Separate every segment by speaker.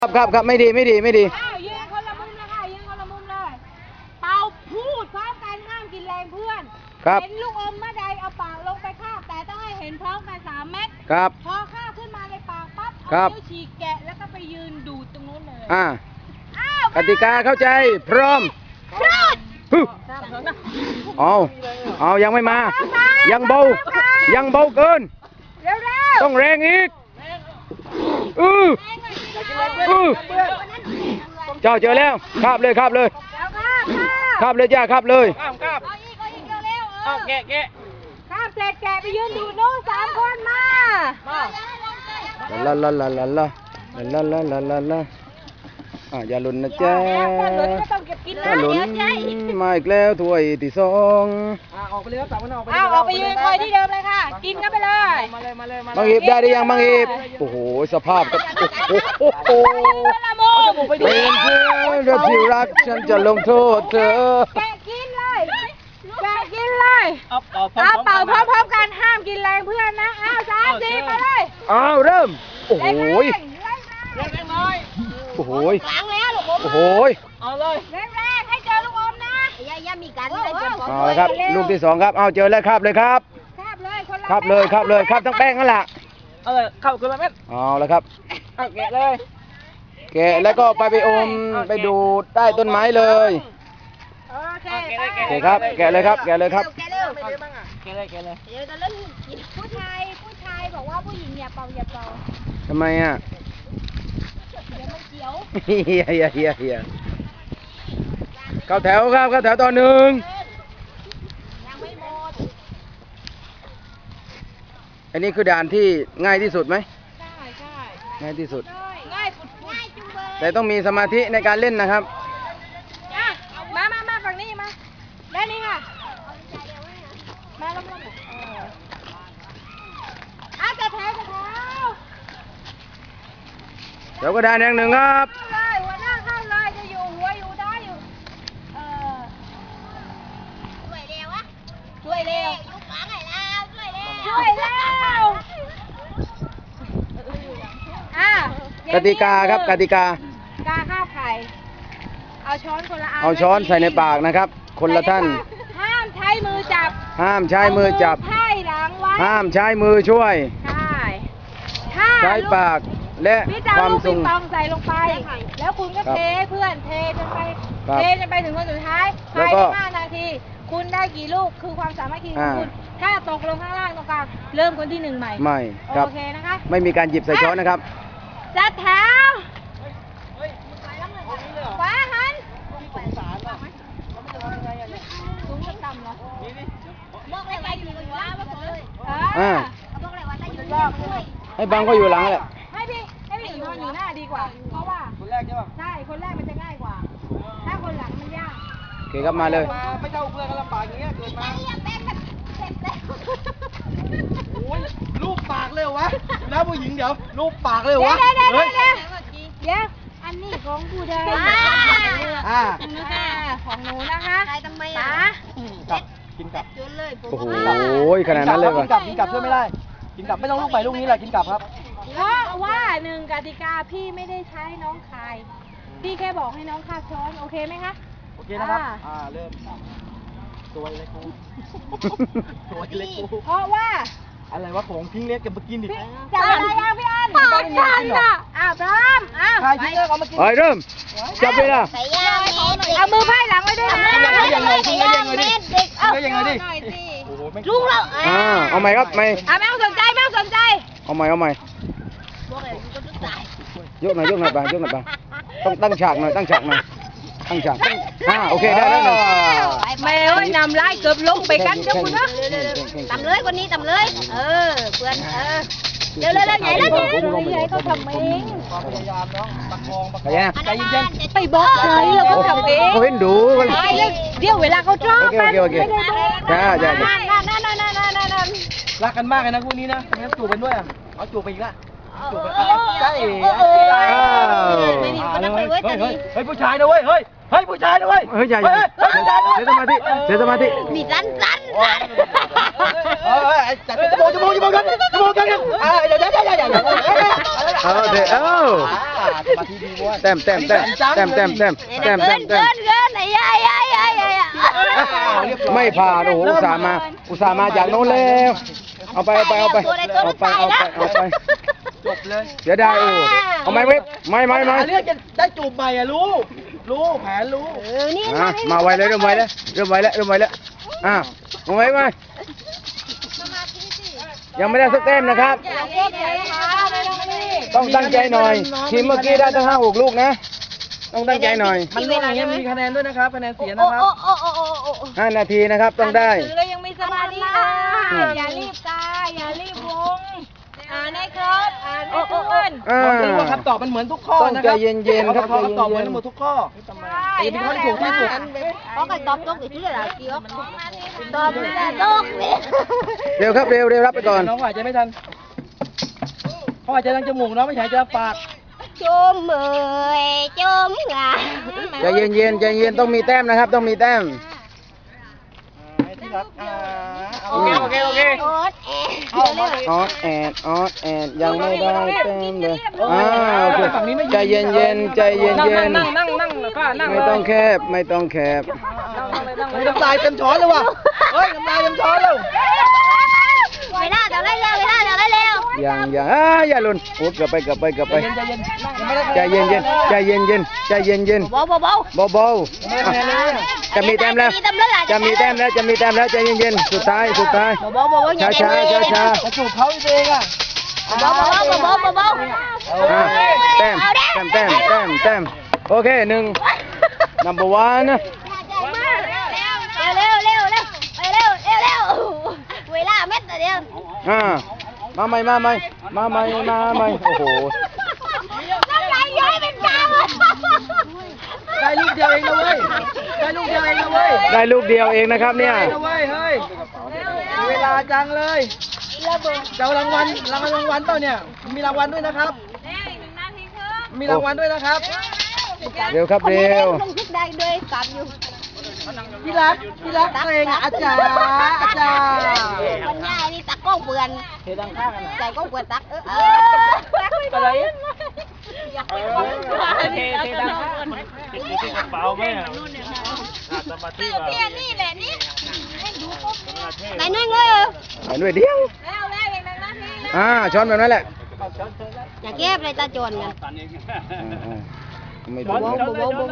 Speaker 1: ครับไม่ดี
Speaker 2: อ้าวยืนคนละมุมเลยค่ะยืนคนละมุมเลยเป่าพูดพร้อมกันห้ามกินแรงเพื่อนเห็นลูกอมเมื่อใดเอาปากลงไปคาบแต่ต้องให้เห็นพร้อมกัน3 เม็ดพอคาบขึ้นมาในปากปั๊บเอานิ้วฉีกแกะแล้วก็ไปยืนดูดตรงนู้นเลย
Speaker 1: กติกาเข้าใจพร้อมเอายังไม่มายังเบาเกินต้องแรงอีกเจ้าเจอแล้วคาบเลยจ้าคาบเลย
Speaker 2: แกะคาบเสร็จแกะไปยืนดูนู้น3 คนมา
Speaker 1: ลาอย่าหล่นนะจ๊ะถ้าหล่นมาอีกแล้วถ้วยที่2
Speaker 3: ออกไปเลยครับ3 คนออกไป
Speaker 2: ออกไปยืนคอยที่เดิมเลยค่ะกินกันไปเลย
Speaker 1: บางอีบได้หรือยังบางอีบโอ้โหสภาพกับเป็นเพื่อนที่รักฉันจะลงโทษเธอ
Speaker 2: แกะกินเลยเป่าพร้อมกันห้ามกินแรงเพื่อนนะ3 4มาเลย
Speaker 1: เริ่มโอ้โห
Speaker 3: แรงน้อย
Speaker 1: โอ้โห
Speaker 2: ล้างแล้วลูกอม
Speaker 1: โอ้โห
Speaker 3: เอาเลย
Speaker 2: แรงให้เจอลูกอมนะอย่ามีกันเลย
Speaker 1: เอาละครับลูกที่2ครับเอาเจอแล้วครับเลยครับ
Speaker 2: คาบเลย
Speaker 1: ทั้งแป้งนั่นแหละ
Speaker 3: เอาเลยเข้าคนละเม็ด
Speaker 1: เอาละครับ
Speaker 3: แกะเลย
Speaker 1: แกะแล้วก็ไปอมไปดูดใต้ต้นไม้เลย
Speaker 2: โอเค
Speaker 1: ครับแกะเลยครับ
Speaker 2: แกะเลย
Speaker 3: แกะเลย
Speaker 2: เดี๋ยวจะเล่นผู้ชายบอกว่าผู้หญิงอย่าเป่า
Speaker 1: ทำไม
Speaker 2: เดี๋ยวมันเขียว
Speaker 1: เฮียเข้าแถวครับตอน1
Speaker 2: ยังไม่หมด
Speaker 1: อันนี้คือด่านที่ง่ายที่สุดไหม
Speaker 2: ใช่
Speaker 1: ง่ายที่สุด
Speaker 2: ง่ายจุงเบย
Speaker 1: แต่ต้องมีสมาธิในการเล่นนะครับ
Speaker 2: มาฝั่งนี้มาด้านนี้ค่ะมาลงจะแถว
Speaker 1: แล้วก็ด่านอย่าง1ครับ
Speaker 2: หัวหน้าเข้าเลยจะอยู่หัวอยู่ท้ายอยู่ช่วยเร็วยุบขาไหนแล้วช่วยเร็ว
Speaker 1: กติกาครับกติกา
Speaker 2: ข้าวไข่เอาช้อนคนละ
Speaker 1: เอาช้อนใส่ในปากนะครับคนละท่าน
Speaker 2: ห้ามใช้มือจับ
Speaker 1: ไพ่
Speaker 2: หลังไว้
Speaker 1: ห้ามใช้มือช่วยใช้ปากและความทรง
Speaker 2: พี่จะเอาลูกปิงปองใส่ลงไปแล้วคุณก็เทเพื่อนเทจนไปถึงคนสุดท้ายภายใน5 นาทีคุณได้กี่ลูกคือความสามารถของคุณถ้าตกลงข้างล่างตรงกลางเริ่มคนที่1ใหม่โอเคนะคะ
Speaker 1: ไม่มีการหยิบใส่ช้อนนะครับ
Speaker 2: จัดแถวขวาหันสูงต่ำเหรอบอกเลยว่าอยู่ล่าง
Speaker 1: ให้บังก็อยู่หลังแหละ
Speaker 2: ให้พี่นอนอยู่หน้าดีกว่าเพราะว่า
Speaker 3: คนแรกใช่ป่ะ
Speaker 2: ใช่คนแรกมันจะง่ายกว่าถ้าคนหลังมันยาก
Speaker 1: โอเคครับมาเลย
Speaker 3: ไม่เท่าเพื่อนกันลำบากอย่างเงี้ยเกิดมาโอ้ยรูปปากเลยวะนะผู้หญิงเดี๋ยวรูปปากเลยวะ
Speaker 2: เดี๋ยวอันนี้ของผู้ใดของหนูนะคะ
Speaker 3: กินกลับ
Speaker 1: โอ้โหขนาดนั้นเลย
Speaker 3: กินกลับช่วยไม่ได้กินกลับไม่ต้องลูกใหม่ลูกนี้แหละกินกลับครับ
Speaker 2: เพราะว่า1 กติกาพี่ไม่ได้ใช้น้องคายพี่แค่บอกให้น้องคาบช้อนโอเคไหมคะ
Speaker 3: โอเคนะครับเริ่มตัวเล็กกู
Speaker 2: เพราะว่า
Speaker 3: อะไรวะของทิ้งเล็กกับมากินดิ
Speaker 2: จับอะไรพี่อันปากฉันอ่ะพร้อม
Speaker 3: ใครทิ้งเล็กเอามากิน
Speaker 1: ไปเริ่มจับเลยนะ
Speaker 2: เอามือไพ่หลังไว้ด้วยนะ
Speaker 3: ยังไงดิ
Speaker 2: ลุงเรา
Speaker 1: เอาใหม่ครับไม่
Speaker 2: ต้องสนใจ
Speaker 1: เอาใหม่ยกหน่อยไปต้องตั้งฉากหน่อยโอเคได้แล้ว
Speaker 2: แม่เอ้ยนำไล่เกือบลงไปกันจุ๊บนะต่ำเลยคนนี้ต่ำเลยเพื่อนเร็วใหญ่แล้วใหญ่เขาทำเอง
Speaker 3: ความพยายามน้องประคอง
Speaker 1: ใจเย็น
Speaker 2: ไปบอกใครแล้วก็ทำเอง
Speaker 1: เขาเห็นดู
Speaker 2: เดี๋ยวเวลาเขาชอบ
Speaker 1: โอเคจ้า
Speaker 3: รักกันมากเลยนะคู่นี้นะงั้นจูบกันด้วยเอาจูบไปอีกละจูบไปใช่เฮ้ยผู้ชายนะเว้ยเฮ้ยผู้ชายนะเว้ย
Speaker 1: ใหญ่เสียสมาธิ
Speaker 2: มีสั้น
Speaker 3: จัดจมูกกันเดี๋ยว
Speaker 1: เดี๋ยว
Speaker 3: สมาธิดีบ้วน
Speaker 1: แต้ม
Speaker 2: ไหนยาย
Speaker 1: ไม่ผ่านโอ้โหอุตส่าห์มาจากโน้นแล้วเอาไป
Speaker 3: จบเลย
Speaker 1: เดี๋ยวได้เอาไหมเว็บไม่
Speaker 3: เรื่องจะได้จูบใหม่อ่ะรู้แผนรู้
Speaker 2: นี่
Speaker 1: มาไวเลยเริ่มไวแล้วมาไวยังไม่ได้สักแต้มนะครับ ต้องตั้งใจหน่อยทีมเมื่อกี้ได้ตั้ง5-6 ลูกนะต้องตั้งใจหน่อย
Speaker 3: มันล่วงอย่างเงี้ยมีคะแนนด้วยนะครับคะแนนเสียนะครับ
Speaker 1: 5 นาทีนะครับต้องได้
Speaker 2: เรายังมีสมาธิอย่ารีบตาอย่ารีบวงอ่านให้ครบอ่านให้ทุกคน
Speaker 3: บอกเลยว่าคำตอบมันเหมือนทุกข้อนะครับ
Speaker 1: ต้องใจเย็นๆครับ
Speaker 3: คำตอบเหมือนหมดทุกข้อแต่เป็นข้อที่ถูกที่สุด
Speaker 2: có cái tóc tốt thì chứ là kêu tôm là tốt
Speaker 1: เร็วครับเร็วรับไปก่อน
Speaker 3: น้องหายใจไม่ทันเขาหายใจทางจมูกน้องไม่หายใจทางปาก
Speaker 2: chôm 10 chôm ngà
Speaker 1: ใจเย็นต้องมีแต้มนะครับต้องมีแต้ม
Speaker 3: ที่รักโอเค
Speaker 2: ốt
Speaker 1: ออดแอนยังไม่ได้แต้มเลยโอเคใจเย็นไม่ต้องแคบ
Speaker 3: น้ำลายเต็มช้อนเลยว่ะเฮ้ยน้ำลายเต็มช้อนเลย
Speaker 2: Mày ra đào lấy leo
Speaker 1: ยังอย่าหล่นโอ้เกือบไปใจเย็น
Speaker 2: bố
Speaker 1: เบาจะมีแต้มแล้วใจเย็นสุดท้าย
Speaker 2: bố
Speaker 1: ช้า
Speaker 3: จะจูบเขาเองอ่ะ
Speaker 2: bố
Speaker 1: แต้มโอเคnumber 1 นะ
Speaker 2: leo quỳ la mét rồi đi
Speaker 1: มาใหม่โอ้โห
Speaker 2: nó lại với bên trong
Speaker 3: ได้ลูกเดียวเองนะเว้ย
Speaker 1: ได้ลูกเดียวเองนะครับเนี่ย
Speaker 3: ได้นะเว้ยเฮ้ยเวลาจังเลยเจ้ารางวัลเปล่าเนี่ยมีรางวัลด้วยนะครับมีรางวัลด้วยนะครับ
Speaker 1: เร็วครับ
Speaker 2: không thích đây đuôi cầm vô
Speaker 3: พี่รักตัวเองอาจารย์
Speaker 2: con nhai đi tắt con vườn
Speaker 3: เทดังข้างกัน
Speaker 2: chạy con vườn tắt
Speaker 3: อะไร
Speaker 4: เทดังติดกระเป๋าไหมอ่ะสมาธิว่า
Speaker 2: นี่แหละนี่ไหนนุ่ยเงย
Speaker 1: ไปด้วยเดียวช้อนแบบนั้นแหละ
Speaker 2: อย่าเก็บเลยตาโจรกัน
Speaker 1: ไม่ถูก
Speaker 2: bố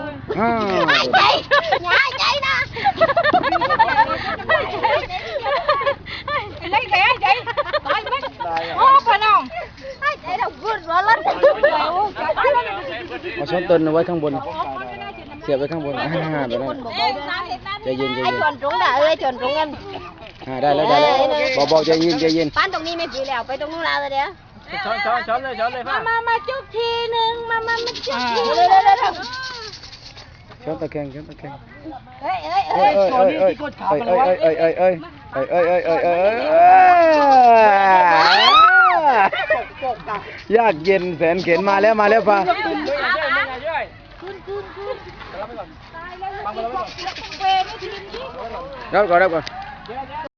Speaker 2: chạy nè lấy thẻ chị coi mất hốt phải không chạy đâu vươn vào lên
Speaker 1: เอาช้อนตนเอาไว้ข้างบนเสียบไว้ข้างบนแบบนั้นใจเย็น
Speaker 2: ไอ้ชวนรุ้งด่าไอ้ชวนรุ้งกัน
Speaker 1: ได้แล้วเบาใจเย็น
Speaker 2: ปั้นตรงนี้ไม่ปีแล้วไปตรงนู้นแล้วเดี๋ยว
Speaker 4: ช้อนเลยพ่อ
Speaker 2: มาจุ๊บทีนึงมาจุ๊บทีเร็ว
Speaker 1: ช้อนตะแคง
Speaker 2: เฮ้ย
Speaker 3: ตัวนี้ที่กดขาไปแล้ววะ
Speaker 1: ยากเย็นแสนเข็นมาแล้วป่ะ รับก่อน